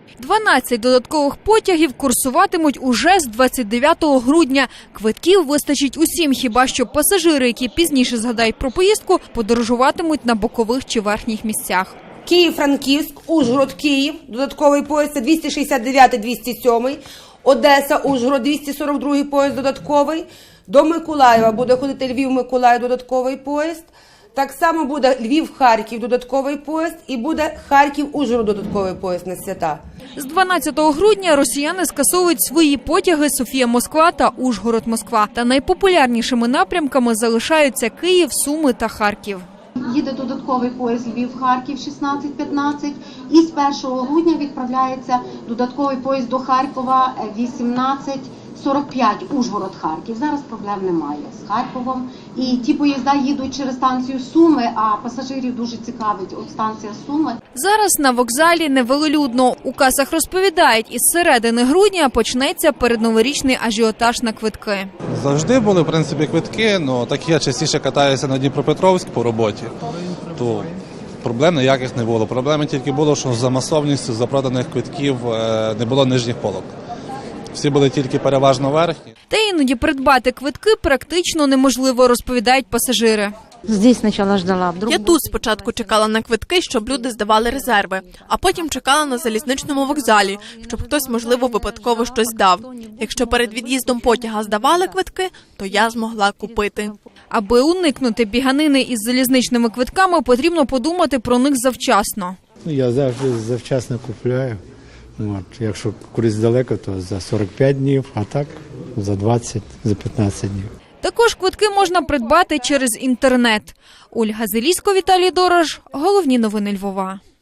12 додаткових потягів курсуватимуть уже з 29 грудня. Квитків вистачить усім, хіба що пасажири, які пізніше згадають про поїздку, подорожуватимуть на бокових чи верхніх місцях. Київ-Франківськ, Ужгород-Київ, додатковий поїзд, це 269-207, Одеса-Ужгород, 242 поїзд додатковий, до Миколаєва буде ходити Львів-Миколаїв додатковий поїзд, так само буде Львів-Харків додатковий поїзд і буде Харків-Ужгород додатковий поїзд на свята. З 12 грудня росіяни скасовують свої потяги Софія-Москва та Ужгород-Москва. Та найпопулярнішими напрямками залишаються Київ, Суми та Харків. Їде додатковий поїзд Львів-Харків 16:15 і з 1 грудня відправляється додатковий поїзд до Харкова 18:45 Ужгород-Харків. Зараз проблем немає з Харковом. І ті поїзда їдуть через станцію Суми, а пасажирів дуже цікавить от станція Суми. Зараз на вокзалі невелолюдно. У касах розповідають, із середини грудня почнеться передноворічний ажіотаж на квитки. Завжди були, в принципі, квитки, але так я частіше катаюся на Дніпропетровськ по роботі, то проблем ніяких не було. Проблеми тільки було, що за масовністю запроданих квитків не було нижніх полок. Всі були тільки переважно верхні. Та іноді придбати квитки практично неможливо, розповідають пасажири. Здесь сначала ждала, вдруг... Я тут спочатку чекала на квитки, щоб люди здавали резерви, а потім чекала на залізничному вокзалі, щоб хтось, можливо, випадково щось дав. Якщо перед від'їздом потяга здавали квитки, то я змогла купити. Аби уникнути біганини із залізничними квитками, потрібно подумати про них завчасно. Я завжди завчасно купляю. Якщо кудись далеко, то за 45 днів, а так за 20, за 15 днів. Також квитки можна придбати через інтернет. Ольга Зелісько, Віталій Дорож. Головні новини Львова.